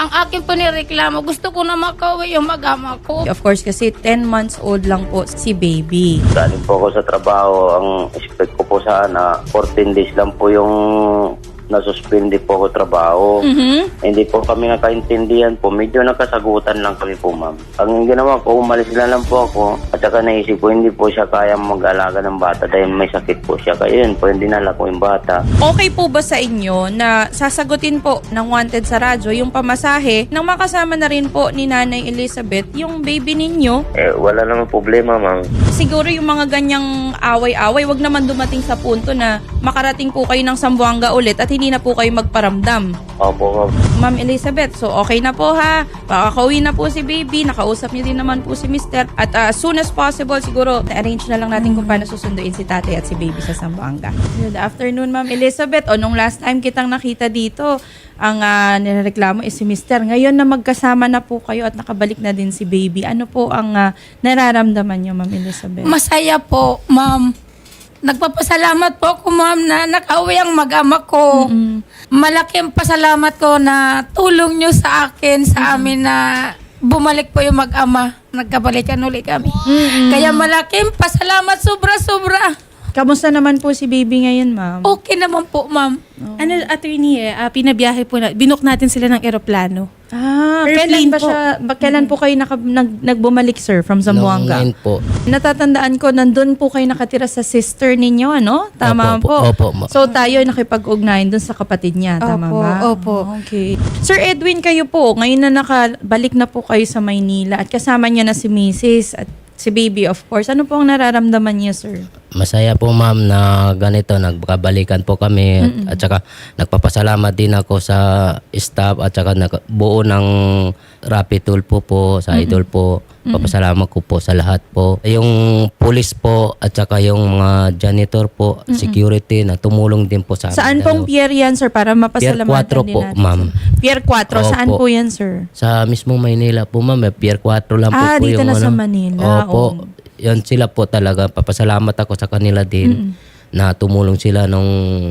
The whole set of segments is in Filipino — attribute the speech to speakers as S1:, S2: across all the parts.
S1: Ang akin po nireklamo, gusto ko na makauwi yung mag-ama ko.
S2: Of course, kasi 10 months old lang po si baby.
S3: Galing po ako sa trabaho. Ang expect ko po sana, 14 days lang po yung nasuspindi po ako trabaho. Hindi po kami nakaintindihan po. Medyo nakasagutan lang kami po, ma'am. Ang ginawa ko, umalis na lang po ako. At saka naisip ko, hindi po siya kaya mag-alaga ng bata dahil may sakit po siya. Kaya yun po, hindi nala ko yung bata.
S2: Okay po ba sa inyo na sasagutin po ng Wanted sa radyo yung pamasahe nang makasama na rin po ni Nanay Elizabeth yung baby ninyo?
S3: Wala naman problema, ma'am.
S2: Siguro yung mga ganyang away-away, wag naman dumating sa punto na makarating po kayo ng Zamboanga ulit at hindi na po kayo magparamdam.
S3: Opo, ma'am.
S2: Ma'am Elizabeth, so okay na po ha. Pakakauwi na po si baby. Nakausap niyo din naman po si Mr. At as soon as possible, siguro na-arrange na lang natin kung paano susunduin si tatay at si baby sa Zamboanga. Good afternoon, Ma'am Elizabeth. O, nung last time kitang nakita dito, ang nireklamo is si Mr. Ngayon na magkasama na po kayo at nakabalik na din si baby. Ano po ang nararamdaman niyo, Ma'am Elizabeth?
S1: Masaya po, ma'am. Nagpapasalamat po ako, ma'am, na nakauwi ang mag-ama ko. Malaking pasalamat ko na tulong nyo sa akin, sa amin na bumalik po yung mag-ama. Nagkabalikan ulit kami. Kaya malaking pasalamat, sobra-sobra.
S2: Kamusta naman po si baby ngayon, Ma'am?
S1: Okay naman po, ma'am.
S4: Ano, attorney, pinabiyahe po binook natin sila ng eroplano.
S2: Kailan
S4: Airplane
S2: ba
S4: po.
S2: siya, kailan po kayo nagbumalik, sir, from Zamboanga?
S5: Noong 9 po.
S2: Natatandaan ko, nandun po kayo nakatira sa sister ninyo, ano? Tama
S5: Opo,
S2: po.
S5: opo,
S2: So tayo nakipag-ugnayan dun sa kapatid niya, tama
S4: Opo,
S2: ba?
S4: opo.
S2: Okay. Sir Edwin, kayo po, ngayon na nakabalik na po kayo sa Maynila at kasama niya na si Mrs. at si baby, of course. Ano po ang nararamdaman niya, sir?
S5: Masaya po, ma'am, na ganito, nagkabalikan po kami at saka nagpapasalamat din ako sa staff at saka buo ng Rapid Tool po sa Idol po. Papasalamat ko po sa lahat po. Yung police po at saka yung mga janitor po, security na tumulong din po sa amin.
S2: Saan pong pier yan, sir? Para mapasalamatan
S5: Pier 4
S2: din
S5: po,
S2: natin.
S5: ma'am.
S2: Pier 4, saan
S5: Opo.
S2: po yan, sir?
S5: Sa mismong Maynila po, ma'am. Pier 4 lang po po
S2: Dito
S5: yung
S2: na sa Manila.
S5: Opo. Yan sila po talaga. Papasalamat ako sa kanila din na tumulong sila nung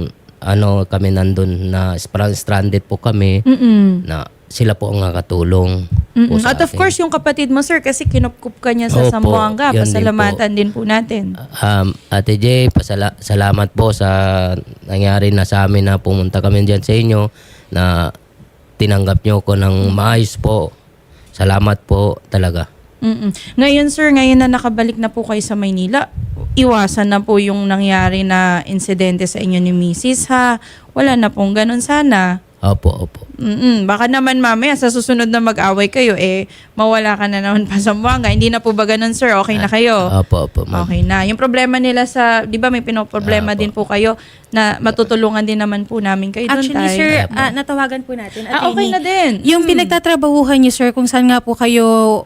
S5: kami nandun na stranded po kami na sila po ang nakatulong po sa
S2: At of
S5: akin.
S2: course, yung kapatid mo, sir, kasi kinupkup ka niya sa
S5: Opo,
S2: Zamboanga.
S5: yan din
S2: Pasalamatan din po natin.
S5: Ate Jay, salamat po sa nangyari na sa amin na pumunta kami dyan sa inyo na tinanggap nyo ko ng maayos po. Salamat po talaga.
S2: Ngayon, sir, ngayon na nakabalik na po kayo sa Maynila, iwasan na po yung nangyari na insidente sa inyo ni Mrs. ha. Wala na pong ganun sana.
S5: Opo.
S2: Baka naman mamaya sa susunod na mag-away kayo, mawala ka na naman pa sa Zamboanga. Hindi na po ba ganun, sir? Okay na kayo?
S5: Opo, ma'am.
S2: Okay na. Yung problema nila sa, di ba may pinoproblema din po kayo na matutulungan din naman po namin kayo doon,
S4: Actually,
S2: tay.
S4: sir, natawagan po natin.
S2: Okay
S4: attorney.
S2: na din.
S4: Yung pinagtatrabahuhan niyo, sir, kung saan nga po kayo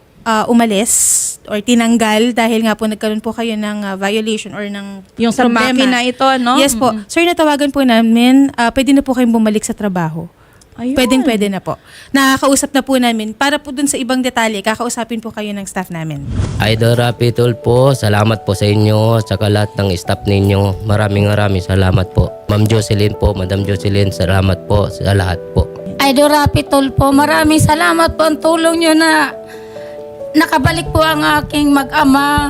S4: umalis or tinanggal dahil nga po nagkaroon po kayo ng violation or ng
S2: Yung sa
S4: problema.
S2: makina ito, no?
S4: Yes po. Sir, natawagan po namin, pwede na po kayong bumalik sa trabaho.
S2: Ayun.
S4: Pwede na po. Nakakausap na po namin. Para po dun sa ibang detalye, kakausapin po kayo ng staff namin.
S5: Idol Rapid Tool po, salamat po sa inyo sa lahat ng staff ninyo. Maraming salamat po. Ma'am Jocelyn po, Madam Jocelyn, salamat po sa lahat po.
S1: Idol Rapitol po, maraming salamat po ang tulong nyo na nakabalik po ang aking mag-ama.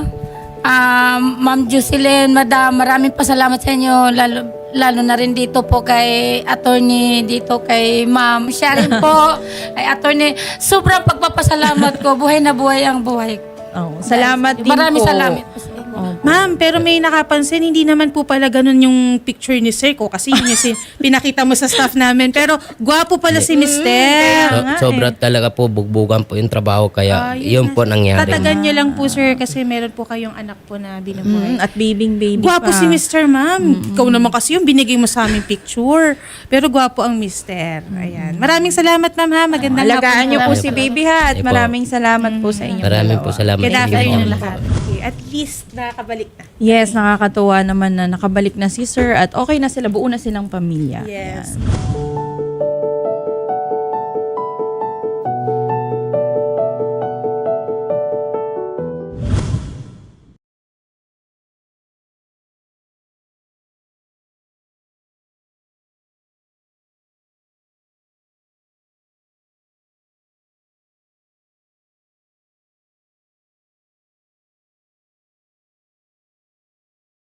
S1: Ma'am Jocelyn, Madam, maraming pasalamat sa inyo. Lalo na rin dito po kay attorney, dito kay ma'am. Siya rin po, kay attorney. Sobrang pagpapasalamat ko. Buhay na buhay ang buhay.
S2: Salamat din
S1: Maraming
S2: po.
S1: salamat po sa inyo.
S4: Ma'am, pero may nakapansin, hindi naman po pala ganun yung picture ni Sir ko kasi yun yung pinakita mo sa staff namin. Pero gwapo pala si Mister.
S5: Sobra talaga po, bugbugan po yung trabaho kaya yun po nangyari.
S4: Tatagan niyo lang po, sir, kasi meron po kayong anak po na binubuhay.
S2: At baby
S4: Gwapo
S2: pa.
S4: si Mr. Ma'am. Ikaw naman kasi yung binigay mo sa aming picture. Pero gwapo ang Mr. Ayan. Maraming salamat, ma'am, ha. Magandang
S2: Alagaan niyo po
S5: Salamat.
S2: si baby ha at
S5: Sige po.
S2: maraming salamat po sa inyo.
S5: Maraming po salamat.
S4: Good
S5: Thank you
S4: afternoon
S5: po.
S4: lahat. Okay, at least nakakabalik na.
S2: Yes, nakakatuwa naman na nakabalik na si sir at okay na sila, buo na silang pamilya.
S4: Yes.
S2: Ayan.